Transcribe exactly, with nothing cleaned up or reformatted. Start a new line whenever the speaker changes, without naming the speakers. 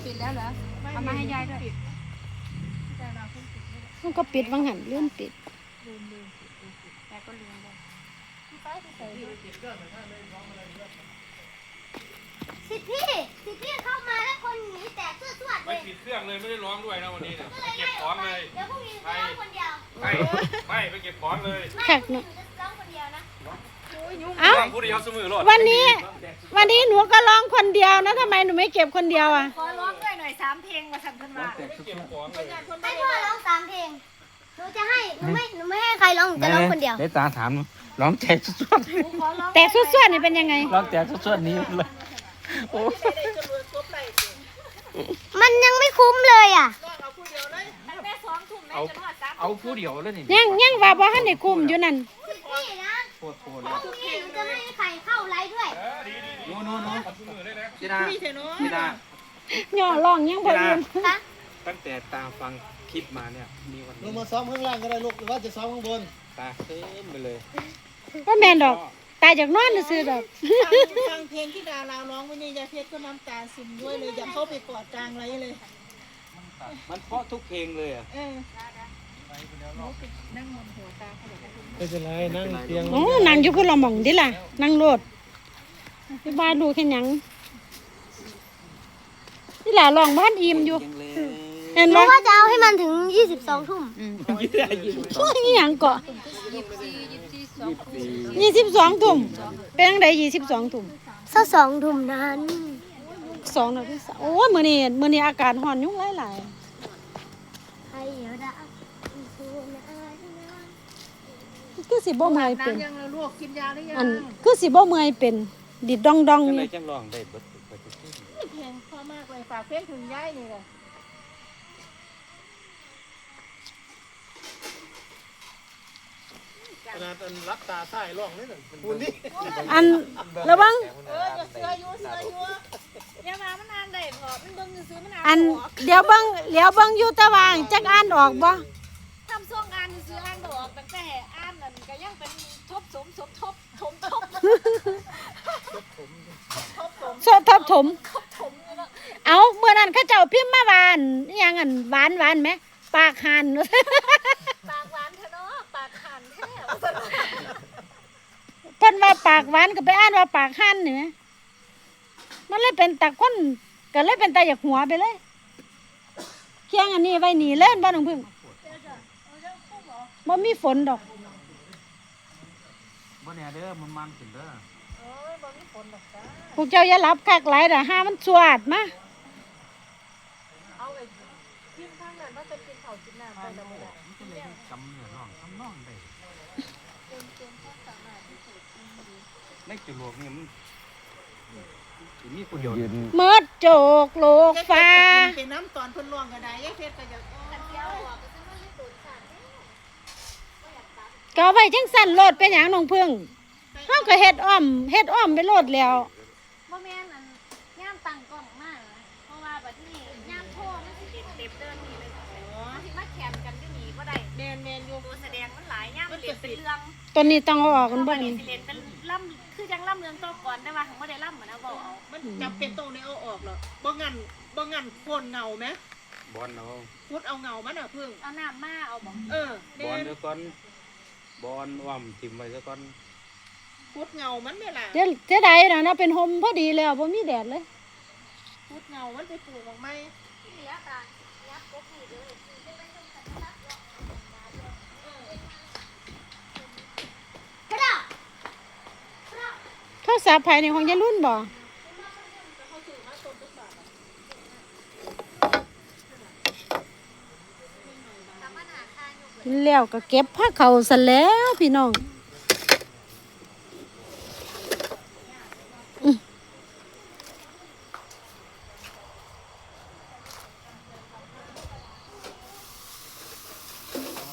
ปิดแล้วเหรอเอามาให้ยายด้วย
มันก็ปิดบางหันเลื่อนปิด
ลืมลืมยายก็ลืมเลย
สิพี่สิพี่เข้ามาแล้วคนหนีแตกสวดๆเล
ไม่
ย
ปิดเครื่องเลยไม่ได้ร้องด้วยนะวันนี้เนี่ยเก็บของเลย
เดี๋ยวพรุ่งนี้จะร้องคนเดียว
ไม่ไม่ไปเก็บของเลย
ไม่หนูจะร้องคนเดียวนะ
เอ้า
ผู้เดียวเสมอหรอ
วันนี้ วันนี้หนูก็ร้องคนเดียวนะทำไมหนูไม่เก็บคนเดียวอ่ะ
ขอร้องด้วยหน่อยสามเพลงมาสั่งขึ้นมา
ไม่เก็บของเลย
ให้พ่อร้องสามเพลงหนูจะให้หนูไม่หนูไม่ให้ใครร้องหนูจะร้องคนเดียว
ได้ตาถามร้องแตกสวด
ขอร้อง
แต่ส่วนๆนี่เป็นยังไง
ร้องแตกสวดนี้เลยโอ้
มันยังไม่คุ้มเลยอ่ะ
ตั้งแต่สองทุ่มแม่
เอา
จะนวดสาม
เอาผู้เดียวเลยนี่
ยังยังว่าบ่ทันได้คุมอยู่นั่น
สิพี่นะ
โคตรโคตร
พรุ่งนี้หนูจะไม่ให้ใครเข้าไลฟ์ด้วย
ดีดีดี
โน่นโน่นโน่น
เสมอเลยนะ
จีดาจีดา
ย่อร้องยังบ่ลืม
คะ
ตั้งแต่ตาฟังคลิปมาเนี่ยมีวัน
ล
นี้
งมาซ้อมข้างล่างก็ได้ลูกหรือว่าจะซ้อมข้างบน
ตาเต็มไปเลย
บ่แม่นดอกตายจากนอนซื่อๆดอก
ฟังเพลงที่ดาราร้องวันนี้ยายเพชรก็น้ำตาซึมด้วยเลยอยากเข้าไปกอดกลางไรเลย
มันเพราะทุกเพลงเลยอ่ะ
เออ
ไม่เป็นไรนั่งเตียง
โอ้นั่งอยู่พุ่นละหม่องดิล่ะนั่งโลดไปบ้านดูแค่หยังนี่ล่ะร้องบ้านอิ่มอยู่
เพลงเลย
เห็น
ห
บ่
นูว่าจะเอาให้มันถึงยี่สิบสองทุ่ม
ช่วยอีหยังเกาะ
ยี่สิบสี่ยี่สิบสี่สอง
ยี่สิบสองทุ่มเป็นจังไดยี่สิบสองทุ่ม
สักสองทุ่มนั้น
สองนาทีสามโอ้ยมื้อนี้มื้อนี้อากาศร้อนยุ่งหลาย
ใครเดี๋ยวดา
ๆคือสิบ่เมื่อยเป็น
น้ำยังเราลวกกินยาหรือยัง
อันคือสิบ่เมื่อยเป็นดิดดองดอง
จัง
อ
ไร
ยู่
จังร้องได้เบิดเบิดทุกเพลง
เพลงเพราะมากเลยฝากเพลงถึงยายนี่เลย
ขนาดรับตาใต้ร่องนี่น่ะคุณนี่
อันระวัง
เอออย่าเสืออยู่เสืออยู่
อย่ามามันอ่านได้พอมันเบิ่งซื้อมันอ่าน
อันเดี๋ยวเบิ่งเดี๋ยวเบิ่งอยู่แตะวางจักอ่านออกบ่
ทำช่วงอ่านซื้ออ่านบ่ออกตั้งแต่อ่านนั่นก็ยังเป็นทบสมสมทบถมทบ
โซทับถม เอาเมื่อนั้นเขาเจ้าพิมพ์มาหวานอิหยังอันหวานหวานไหมปากหัน
ปากหวานเถอะเนาะปากขันแท้
เพิ่นว่าปากหวานก็ไปอ่านว่าปากหันนี่แหมมันเลยเป็นตะคนก็เลยเป็นตาอยากหัวไปเลยเคียงอันนี้ไว้หนีเล่นบ่น้องพึ่งบ่มีฝนดอก
บ่เนี่ยเด้อมันมันขึ้นเด้อ
พวกเจ้าอย่าหลับคักหลายเด้อห้ามันสวดมา
เอาไอ้กินข้างนั้นว่าเป็นกินข้าวกินน้ำไปแล้วมึง
มันก็เลยจำเนื้อร้องทำนองได้ในจุโลกนี่มันสิมีผู้เดียว
เมิดโจกโลกฟ้า
เป็นน้ำตอนเพิ่นร้องก็ได้ยายเพชรก็อยาก
ก็เอาไว้จังสั่นโลดเป็นหยังน้องพึ่งเฮาก็เฮ็ดอ้อมเฮ็ดอ้อมไปโลดแล้ว
บ่แม่นอันย่ามตั้งกล้องมากเพราะว่าบัดนี้ย่ามโทรมันสิเต็มเดินนี่เลยมันสิมาแข่งกันอยู่นี่บ่ได้
แมนแมนอยู่
ตัวแสดงมันหลายย่ามเล่นเป็นเรื่อง
ตัวนี้ต้องเอาออกกัน
บ่
บ่
ได้
นี่
สิเล่นเป็นล่ำคือจังล่ำเรื่องโตก่อนแต่ว่าของบ่ได้ล่ำเหมือนเอาบ่เอา
มันจำเป็นต้องได้เอาออกหรอบ่งั้นบ่งั้นโคนเงาไหม
บอลเอา
พุดเอาเงามันอ่ะพึ่ง
เอาน้ำมาเอาบ่
เออบ
อล
แม่น
เดี๋ยวก่อนบอลว่ำทิ่มไว้ซะก่อน
พุดเงามันไม่ล่ะ
เดี๋ยวเสียดายน่ะนะเป็นห่มพอดีแล้วบ่มีแดดเลย
พุดเงามันไปปลูกออกไหม
เหลือตายับกบนี่เด้อ
กระดาษ
โทรศัพท์ภายในของยายรุ่นบ่แล้วก็เก็บผ้าเขาซะแล้วพี่น้อง